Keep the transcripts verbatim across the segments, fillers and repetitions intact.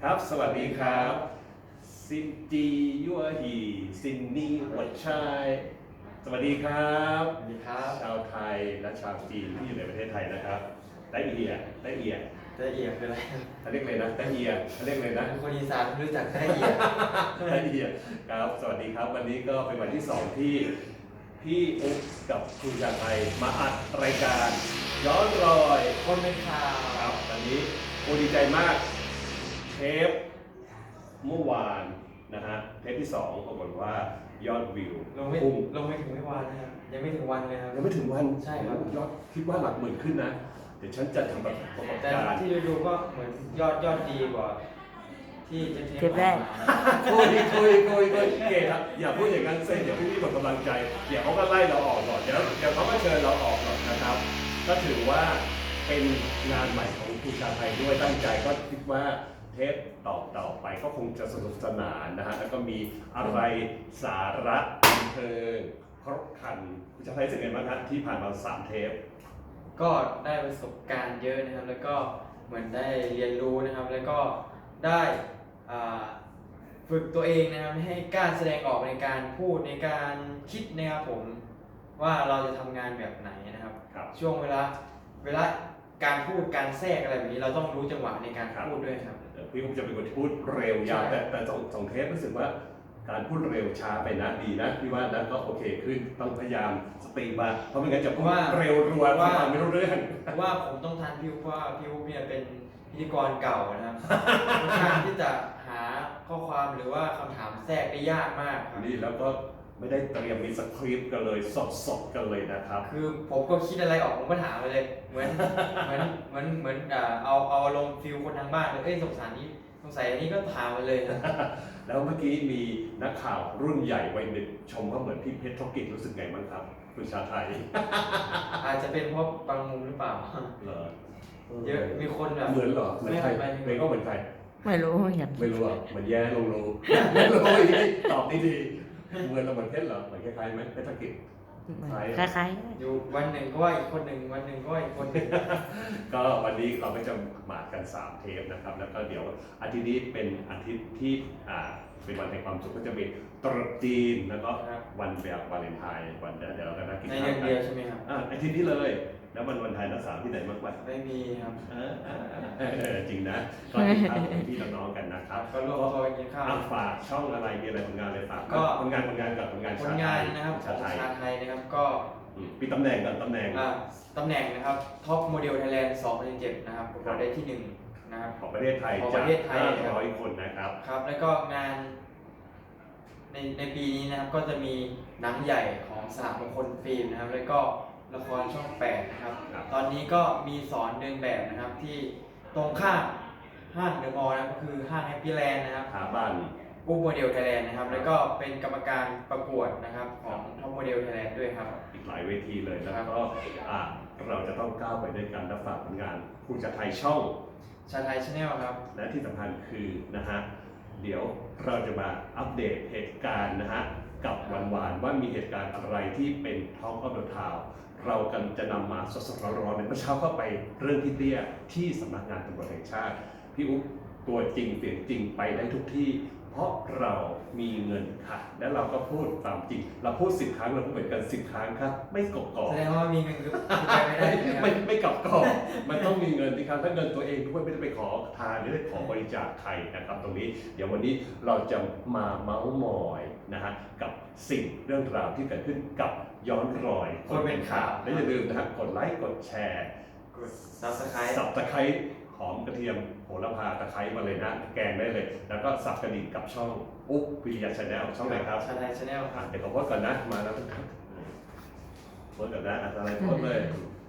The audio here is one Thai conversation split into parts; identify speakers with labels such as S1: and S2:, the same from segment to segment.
S1: ครับสวัสดีครับซินจียัวฮีซินนี่หัวชายสวัสดีครับ
S2: สวัสดีครับ
S1: ชาวไทยและชาวจีนที่อยู่ในประเทศไทยนะครับได้เอียได้เอีย
S2: ได้เอียคืออะไร
S1: เขาเรียกเลยนะได้เอียเขาเรียกเลยนะ
S2: คนอีสานรู้จักได้เอีย
S1: ได้เอียครับสวัสดีครับวันนี้ก็เป็นวันที่สองที่พี่อุ๊บกับคุณชาไทยมาอัดรายการย้อนรอย
S2: คนเป็นข่าว
S1: ครับตอนนี้โอ้ดีใจมากเทปเมื่อวานนะฮะเทปที่สองปรากฏว่ายอดวิว
S2: ลงไม่
S1: พุ่ง
S2: ลงไม่ถึงไม่วันนะครับยังไม่ถึงวันเลยครับ
S1: ยังไม่ถึงวัน
S2: ใช่ครับ
S1: ยอดคิดว่าหลักหมื่นขึ้นนะ เดี๋ยวฉันจะทำแบบประกอบ
S2: แต่
S1: การ
S2: ที่ดูๆก็เหมือนยอดยอดดีกว่า ที่เทป
S3: เทปแรก
S1: คุยคุยคุยคุยเกครับอย่าพูดอย่างนั้นเซ่เดี๋ยวพี่ๆหมดกำลังใจเดี๋ยวเขาก็ไล่เราออกหรอกเดี๋ยวเดี๋ยวเขาก็เชิญเราออกหรอกนะครับ ก็ถือว่าเป็นงานใหม่ของครูชาไทยด้วยตั้งใจก็คิดว่าเทปต่อต่อไปก็คงจะสนุกสนานนะฮะแล้วก็มีอะไรสาระบันเทิงครบครันครูชาไทยรู้สึกไงบ้างครับที่ผ่านมาสามเทป
S2: ก็ได้ประสบการณ์เยอะนะครับ แล้วก็เหมือนได้เรียนรู้นะครับ แล้วก็ได้อ่าฝึกตัวเองนะครับให้กล้าแสดงออกในการพูดในการคิดนะครับผมว่าเราจะทำงานแบบไหนนะครับ
S1: ครับ
S2: ช่วงเวลาเวลาการพูดการแทรกอะไรแบบนี้เราต้องรู้จังหวะในการ
S1: ครับ
S2: พูดด้วยครับ
S1: เอ่อพี่คงจะเป็นคนที่พูดเร็วยาว
S2: ใช่
S1: แต่แต่สองสองเทปรู้สึกว่าการพูดเร็วช้าไปนะดีนะพี่ว่านะก็โอเคขึ้นต้องพยายามสปีดมาเพราะไม่งั้นจะพูดเร็วรัวว่าไม่รู้เรื่อง
S2: เพราะว่าผมต้องทานพี่อุ๊บเพราะว่าพี่อุ๊บเนี่ยเป็นพิธีกรเก่านะครับค่อนข้างที่จะหาข้อความหรือว่าคำถามแทรกได้ยากมากครับ
S1: นี่แล้วก็ไม่ได้เตรียมมีสคริปต์กันเลยสดสดๆกันเลยนะครับ
S2: คือผมก็คิดอะไรออกผมก็ถามไปเลย เหมือนเหมือนเหมือนเหมือนอ่าเอาเอาลงฟิลคนทางบ้านเลยเอ้ยสงสารนี้สงสัยอันนี้ก็ถามไปเลยนะ
S1: แล้วเมื่อกี้มีนักข่าวรุ่นใหญ่วัยหนึ่งชมว่าเหมือนพี่เพชรธุรกิจรู้สึกไงบ้างครับคุณชาไทย
S2: อาจจะเป็นเพราะบางมุมหรือเปล่า
S1: เหรอ
S2: เยอะมีคนแบบ
S1: เหมือนเหรอเหมือนใคร
S2: ไม่
S1: เมย์ก็เหมือนใคร
S3: ไม่รู้เหมือนกัน
S1: ไม่รู้อ่ะเหมือนแย่ลงรูไม่รู้อีกตอบดีๆเหมือนเราเหมือนเพชรเหรอเหมือนคล้ายๆไหมเพชรธุรกิจ
S3: คล้าย
S2: อยู่วันหนึ่งก็ว่าอีกคนหนึ่งวันหนึ่งก็ว่าอีกคนหนึ่ง
S1: ก็วันนี้เราก็จะมากันสามเทปนะครับ แล้วก็เดี๋ยวอาทิตย์นี้เป็นอาทิตย์ที่อ่าเป็นวันแห่งความสุขก็จะมีตรุษจีนแล้วก็
S2: ครับ
S1: วันแบบวาเลนไทน์วันเดี๋ยวเดี๋ยวเราจะนัดกิน
S2: ใน
S1: ข้า
S2: เดื
S1: ว
S2: อน
S1: กั
S2: เดียวน ใช่ไหมครับ
S1: อ่าอาทิตย์นี้เลยแล้ววันวันไทยนักสาวที่ไหนมากกว่า
S2: ไม่มีครับ
S1: เออเออเออเออจริงนะก็ติดตามของพี่น้องๆกันนะครับ
S2: ก็ร่วมตัวกันกินข้าว
S1: อ่ะฝากช่องอะไรมีอะไรผลงานอะไรฝาก
S2: ก็
S1: ผลงานผลงานกับผลงาน
S2: ผ
S1: ชา
S2: ล
S1: ไท
S2: งาน
S1: ย
S2: นะครับข
S1: ชา
S2: อง
S1: ไทย
S2: ชาไทยนะครับก็
S1: อืมมีตำแหน่งกันตำแหน่ง
S2: อ่าตำแหน่งนะครับท็อปโมเดลไทยแลนด์สองพันสิบเจ็ดนะครับประกวดได้ที่หนึ่งนะครับ
S1: ของประเทศไทย
S2: ของป
S1: จาก
S2: ระเทศไทย
S1: ห้าร้อยคนนะครับ
S2: ครับแล้วก็งานในในปีนี้นะครับก็จะมีหนังใหญ่ของสหมงคลฟิล์มนะครับ แล้วก็ละครช่องแปดนะครับ
S1: ครับ
S2: ตอนนี้ก็มีสอนเดินแบบนะครับที่ตรงข้ามห้างเดอะมอลล์นะครับก็คือห้างแฮปปี้แลนด์นะครับ
S1: หาบ้าน
S2: ปุ๊บโมเดลไทยแลนด์นะครับ แล้วก็เป็นกรรมการประกวดนะครับของท็อปโมเดลไทยแลนด์ด้วยครับ
S1: อีกหลายเวทีเลยแล้ว
S2: ครับ
S1: ก็อ่ะเราจะต้องก้าวไปด้วยกันและฝากผลงานผู้จัดไทยช่อง
S2: ชาไทยชาแนลครับ
S1: และที่สำคัญคือนะฮะเดี๋ยวเราจะมาอัปเดตเหตุการณ์นะฮะกับวันวานๆว่ามีเหตุการณ์อะไรที่เป็นท้องออเดอร์ทาวเรากันจะนำมาสดๆร้อนๆในเมื่อเช้าเข้าไปเรื่องที่เตี้ยที่สำนักงานตำรวจแห่งชาติพี่อุ๊บตัวจริงเสียงจริงไปได้ทุกที่ เพราะเรามีเงินค่ะ และเราก็พูดตามจริง เราพูดสิบครั้งเราพูดเหมือนกันสิบครั้งครับไม่กบกอก
S2: แสดงว่ามีเงินคือไปไม่ได้ใช่ไหมค
S1: ไม่
S2: รับ
S1: ไม่กลับกรอกมันต้องมีเงินที่ครับถ้าเงินตัวเองด้วยไม่ได้ไปขอทานหรือได้ขอบริจาคใครนะครับตรงนี้ เดี๋ยววันนี้เราจะมาเมาส์มอยนะฮะกับสิ่งเรื่องราวที่เกิดขึ้นกับย้อนรอย
S2: คนเป็นข่าว
S1: และอย่าลืมนะฮะกดไลค์กดแชร์
S2: กด Subscribe
S1: สับตะไคร้หอมกระเทียมโหระพาตะไคร้มาเลยนะแกงได้เลย แล้วก็สับกระดิ่งกับช่องอุ๊บวิทยาชาแนลช่องไหนครับ
S2: ชาไทยชาแนลค
S1: อ่ะ
S2: รับ
S1: เดี๋ยวขอโพสต์ก่อนนะมาแล้วทุกท่านโพสต์ก่อนนะอะไรโพสต์เลย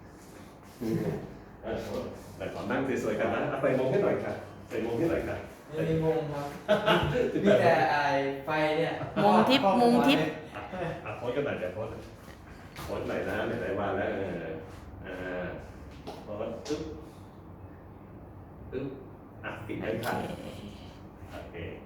S1: เออโพสต์แต่ขอนั่งสวยๆกันนะเอาใส่มงให้หน่อยค่ะใส่มงให้หน่อยค่ะ
S2: ไม่มีวงครับมีแต่ไอไฟเนี่ย
S3: ๆมุมทิพย์มุมทิพย์
S1: อ่ะโพสต์กันหน่อยเดี๋ยวโพสต์โพสต์หน่อยนะไหนๆว่าแล้วเอออ่าโพสต์ปึ๊บปึ๊บอ่ะปิดไว้ค่ะโอเค